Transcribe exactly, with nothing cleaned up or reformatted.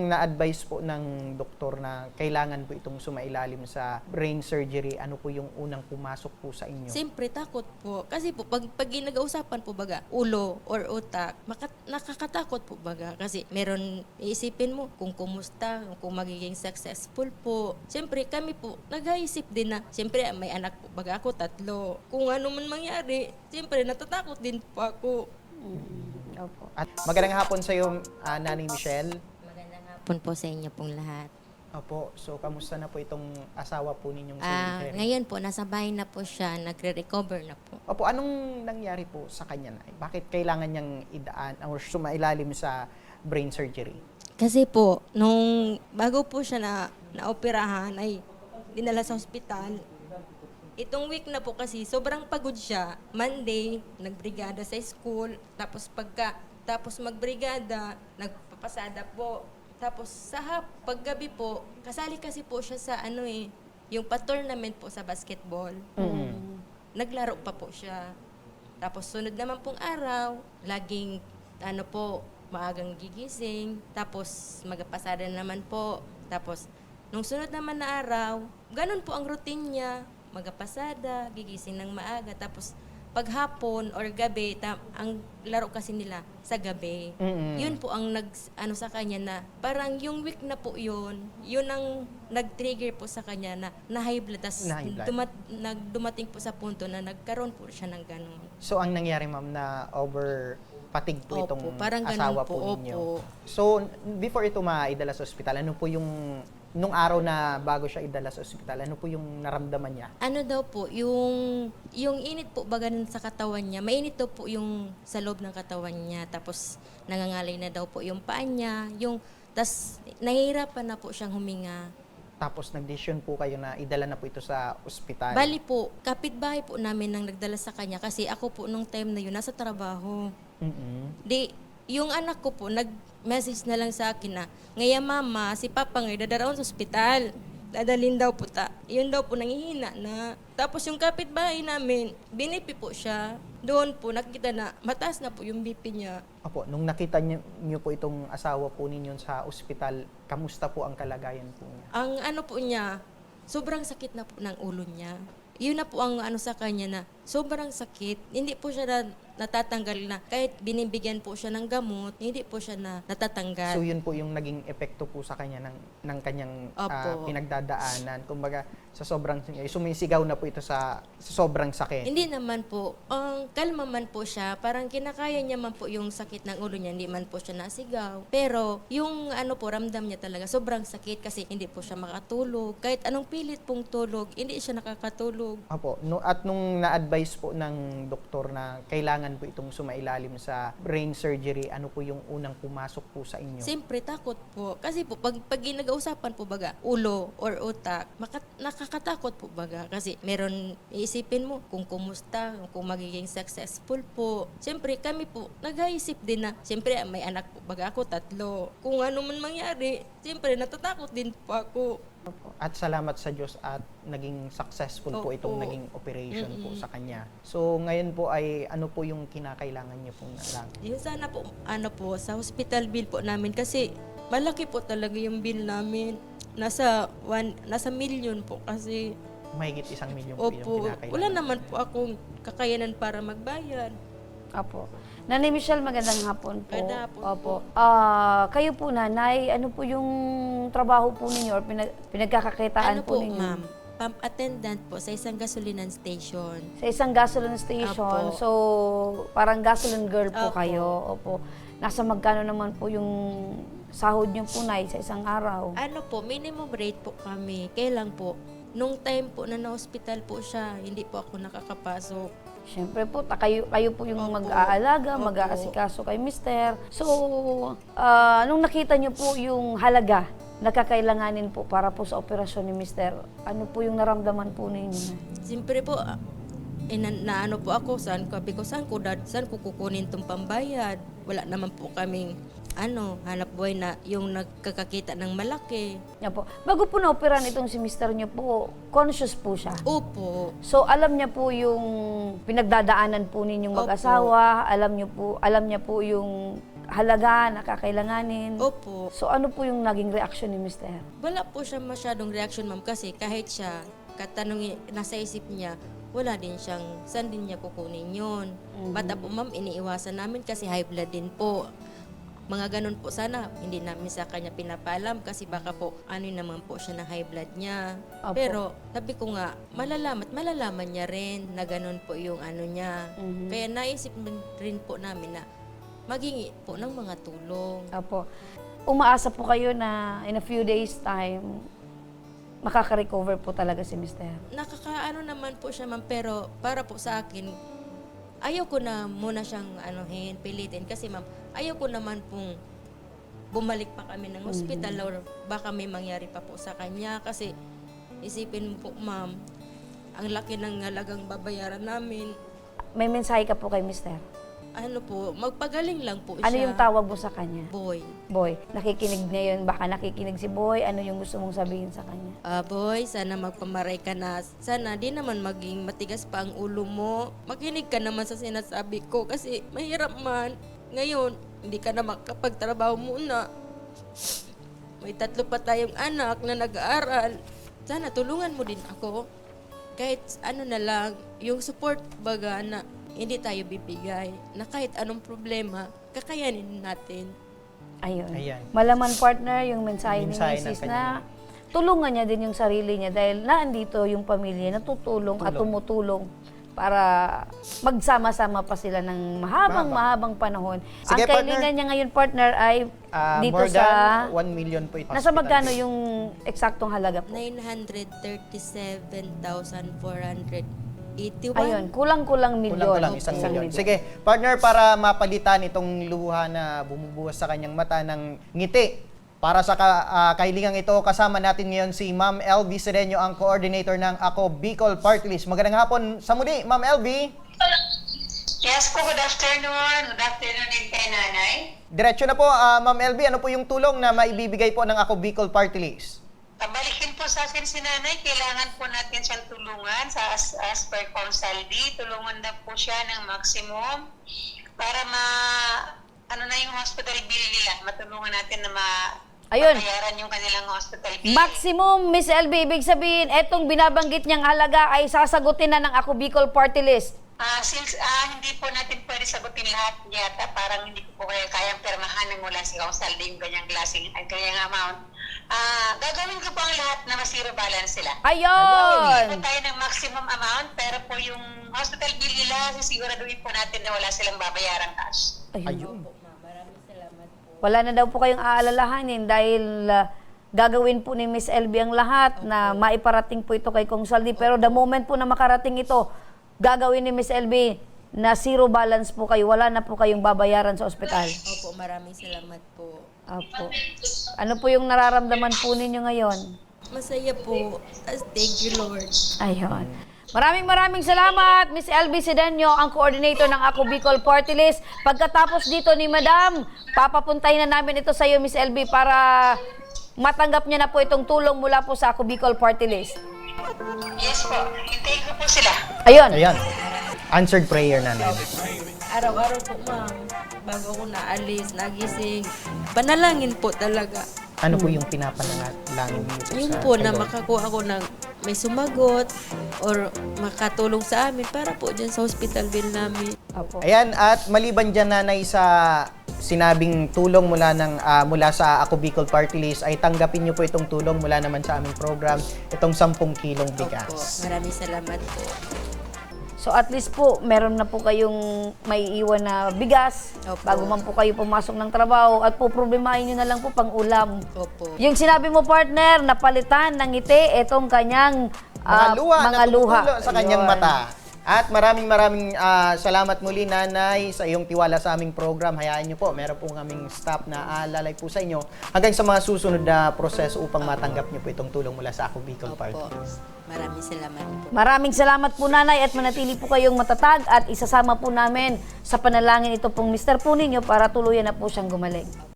na-advise po ng doktor na kailangan po itong sumailalim sa brain surgery, ano po yung unang pumasok po sa inyo? Siyempre, takot po. Kasi po, pag, pag ginag-ausapan po baga, ulo or utak, makat, nakakatakot po baga. Kasi meron, iisipin mo kung kumusta, kung magiging successful po. Siyempre, kami po, nag-iisip din na, siyempre, may anak po baga ako, tatlo. Kung ano man mangyari, siyempre, natatakot din po ako. Mm, opo. At magandang hapon sa iyo, uh, Nanay Michelle. Magandang hapon po sa inyo pong lahat. Opo, so kamusta na po itong asawa po ninyong si Ah, Jerry? ngayon po, nasa bahay na po siya, nagre-recover na po. Opo, anong nangyari po sa kanya, Nay? Bakit kailangan niyang idaan or sumailalim sa brain surgery? Kasi po, nung bago po siya na naoperahan, ay dinala sa ospital. Itong week na po kasi, sobrang pagod siya. Monday, nagbrigada sa school. Tapos pagka, tapos magbrigada, nagpapasada po. Tapos sa hap, paggabi po, kasali kasi po siya sa ano eh, yung pa-tournament po sa basketball. Mm-hmm. Naglaro pa po siya. Tapos sunod naman pong araw, laging ano po, maagang gigising. Tapos magpasada naman po. Tapos nung sunod naman na araw, ganun po ang routine niya. Magpasada, gigising ng maaga. Tapos paghapon or gabi, ta- ang laro kasi nila sa gabi. Mm-hmm. Yun po ang nag ano sa kanya na parang yung week na po yun, yun ang nag-trigger po sa kanya na na high blood. Tas Na high blood. dumat, nag, dumating po sa punto na nagkaroon po siya ng ganun. So, ang nangyari, ma'am, na over patig po Opo, itong parang ganun asawa po, po ninyo. opo. So, before ito maidala sa ospital, ano po yung, nung araw na bago siya idala sa ospital, ano po yung naramdaman niya? Ano daw po, yung yung init po baga nun sa katawan niya, mainit daw po yung sa loob ng katawan niya, tapos nangangalay na daw po yung paa niya, yung, tas nahihirapan na po siyang huminga. Tapos nag-decision po kayo na idala na po ito sa ospital. Bali po, kapitbahay po namin nang nagdala sa kanya kasi ako po nung time na yun, nasa trabaho. Mm-hmm. Di, yung anak ko po, nag-message na lang sa akin na, ngaya mama, si Papa ngay dadaraon sa ospital. Dadalhin daw po ta. Yun daw po, nangihina na. Tapos yung kapitbahay namin, binipi po siya. Doon po, nakita na, mataas na po yung B P niya. Opo, nung nakita niyo, niyo po itong asawa po ninyo sa ospital, kamusta po ang kalagayan po niya? Ang ano po niya, sobrang sakit na po ng ulo niya. Yun na po ang ano sa kanya na sobrang sakit. Hindi po siya na, natatanggal na. Kahit binibigyan po siya ng gamot, hindi po siya na natatanggal. So yun po yung naging epekto po sa kanya ng, ng kanyang ah, Opo. pinagdadaanan. Kumbaga, sa sobrang, sumisigaw na po ito sa, sa sobrang sakit. Hindi naman po. Ang kalma man po siya. Parang kinakaya niya man po yung sakit ng ulo niya. Hindi man po siya nasigaw. Pero yung ano po, ramdam niya talaga. Sobrang sakit kasi hindi po siya makatulog. Kahit anong pilit pong tulog, hindi siya nakakatulog. Opo, no, at nung na-advise po ng doktor na kailangan po itong sumailalim sa brain surgery, ano po yung unang pumasok po sa inyo? Siyempre, takot po. Kasi po, pag, pag ginag-ausapan po baga, ulo or utak, makat, nakakatakot po baga. Kasi meron, iisipin mo kung kumusta, kung magiging successful po. Siyempre, kami po, nag-iisip din na, siyempre, may anak po baga ako, tatlo. Kung ano man mangyari, siyempre, natatakot din po ako. Opo. At salamat sa Diyos at naging successful po Opo. itong naging operation po Mm-mm. sa kanya. So ngayon po ay ano po yung kinakailangan niyo pong lang? Yun sana po, ano po, sa hospital bill po namin kasi malaki po talaga yung bill namin. Nasa one, nasa million po kasi. Mahigit isang milyon po yung Opo, kinakailangan. wala naman po akong kakayanan para magbayad. Opo. Nanay Michelle, magandang hapon po. Magandang hapon Opo. Ah, kayo po, nanay, ano po yung trabaho po ninyo or pinag pinagkakakitaan Ano po, po, ninyo? ma'am? Pump attendant po sa isang gasolinan station. Sa isang gasoline station. Opo. So, parang gasoline girl po Opo. kayo. Opo. Nasa magkano naman po yung sahod niyo po, nay, sa isang araw? Ano po, minimum rate po kami. Kailan po? Nung time po na na-hospital po siya, hindi po ako nakakapasok. Siyempre po, ta, kayo, kayo po yung Opo. mag-aalaga, Opo. mag-aasikaso kay mister. So, ah, nung nakita niyo po yung halaga na kakailanganin po para po sa operasyon ni mister, ano po yung naramdaman po ninyo? Siyempre po, ah, eh, na, na ano po ako, saan ko, sabi ko, saan ko, dad, saan ko kukunin itong pambayad? Wala naman po kaming, ano, hanap buhay na yung nagkakakita ng malaki. Yan po. Bago po na-operan itong si mister niyo po, conscious po siya. Opo. So, alam niya po yung pinagdadaanan po ninyong Opo. mag-asawa, alam niyo po, alam niya po yung halaga na kakailanganin. Opo. So ano po yung naging reaksyon ni mister? Wala po siya masyadong reaction, ma'am, kasi kahit siya, katanungin, nasa isip niya, wala din siyang, saan din niya kukunin yun. Bata po, ma'am, iniiwasan namin kasi high blood din po. Mga ganun po sana, hindi namin sa kanya pinapaalam kasi baka po ano naman po siya ng high blood niya. Opo. Pero sabi ko nga, malalaman, malalaman niya rin na ganun po yung ano niya. Mhm. Kaya naisip rin po namin na maghingi po ng mga tulong. Opo. Umaasa po kayo na in a few days time, makaka-recover po talaga si mister. Nakakaano naman po siya, ma'am, pero para po sa akin, ayaw ko na muna siyang anuhin, pilitin kasi ma'am, ayaw ko naman pong bumalik pa kami ng hospital or baka may mangyari pa po sa kanya kasi isipin mo po, ma'am, ang laki ng halagang babayaran namin. May mensahe ka po kay mister. Ano po, magpagaling lang po Ano siya. yung tawag mo sa kanya? Boy. Boy, nakikinig ngayon, baka nakikinig si Boy, ano yung gusto mong sabihin sa kanya? Ah, boy, sana magpamaray ka na. Sana di naman maging matigas pa ang ulo mo. Makinig ka naman sa sinasabi ko kasi mahirap man. Ngayon, hindi ka na makapagtrabaho muna. May tatlo pa tayong anak na nag-aaral. Sana tulungan mo din ako. Kahit ano na lang, yung support baga na hindi tayo bibigay. Na kahit anong problema, kakayanin natin. Ayun. Ayan. Malaman partner yung mensahe, Mensahe ni ng Missus kanya. na tulungan niya din yung sarili niya dahil naandito yung pamilya na tutulong at Tulong. tumutulong para magsama-sama pa sila ng mahabang mahabang panahon. Sige, Ang kailangan partner. niya ngayon partner ay Ah, dito more sa than one million po ito. nasa magkano yung eksaktong halaga po? nine hundred thirty-seven thousand four hundred eighty-one. Ayun, kulang-kulang milyon. Kulang-kulang isang milyon. Sige, partner, para mapalitan itong luha na bumubuhos sa kanyang mata ng ngiti. Para sa ka, ah, kahilingang ito, kasama natin ngayon si Ma'am L V Sedeño, ang coordinator ng Ako Bicol Party List. Magandang hapon sa muli, Ma'am L V. Yes po, good afternoon. Good afternoon din kay nanay. Diretso na po, ah, Ma'am L V, ano po yung tulong na maibibigay po ng Ako Bicol Party List? Pabalikin po sa akin si nanay, kailangan po natin siyang tulungan sa as, as per Council D. Tulungan na po siya ng maximum para ma, ano na yung hospital bill nila. Matulungan natin na ma, Ayun. bayaran yung kanilang hospital bill. Maximum, Miss L B, ibig sabihin, etong binabanggit niyang halaga ay sasagutin na ng Ako Bicol Party List. Ah, since ah, hindi po natin pwede sagutin lahat yata, parang hindi ko po kaya kayang permahan ng mula sa Council D yung ganyang klaseng, ang ganyang amount. Ah, gagawin ko po ang lahat na ma-zero balance sila. Hindi Ayun! po tayo ng maximum amount, pero po yung hospital bill nila, sisiguraduhin po natin na wala silang babayarang cash. Ayun. Wala na daw po kayong aalalahanin dahil uh, gagawin po ni Miss L B ang lahat na maiparating po ito kay Kong Saldi. Pero the moment po na makarating ito, gagawin ni Miss L B na zero balance po kayo. Wala na po kayong babayaran sa ospital. Opo, maraming salamat po. Apo. Ano po yung nararamdaman po ninyo ngayon? Masaya po. As thank you, Lord. Ayun. Maraming maraming salamat, Miss L B Sedeño, ang coordinator ng Ako Bicol Party List. Pagkatapos dito ni Madam, papapuntahin na namin ito sa iyo, Miss L B, para matanggap niya na po itong tulong mula po sa Ako Bicol Party List. Yes po, hintayin ko po sila. Ayun. Ayan. Answered prayer na namin. Araw-araw po, ma'am. Bago ako naalis, nagising. Panalangin po talaga. Ano po yung pinapanalangin niyo po Yun sa po kay na Lord? makakuha ako ng may sumagot or makatulong sa amin para po dyan sa hospital bill namin. Apo. Ayan, at maliban dyan, nanay, sa sinabing tulong mula ng ah, mula sa Ako Bicol Party List, ay tanggapin niyo po itong tulong mula naman sa aming program, itong sampung kilong Opo, bigas. maraming salamat po. So at least po, meron na po kayong may iwan na bigas Opo. bago man po kayo pumasok ng trabaho at po problemahin nyo na lang po pang ulam. Opo. Yung sinabi mo, partner, napalitan ng ngiti itong kanyang Mga ah, luha mga na luha. tumutulo sa kanyang Ayun. mata. At maraming maraming ah, salamat muli, nanay, sa iyong tiwala sa aming program. Hayaan niyo po, meron po kaming staff na aalalay po sa inyo hanggang sa mga susunod na proseso upang matanggap niyo po itong tulong mula sa Ako Bicol Party Opo. List. Maraming salamat po. Maraming salamat po, nanay, at manatili po kayong matatag at isasama po namin sa panalangin ito pong mister po ninyo para tuluyan na po siyang gumaling.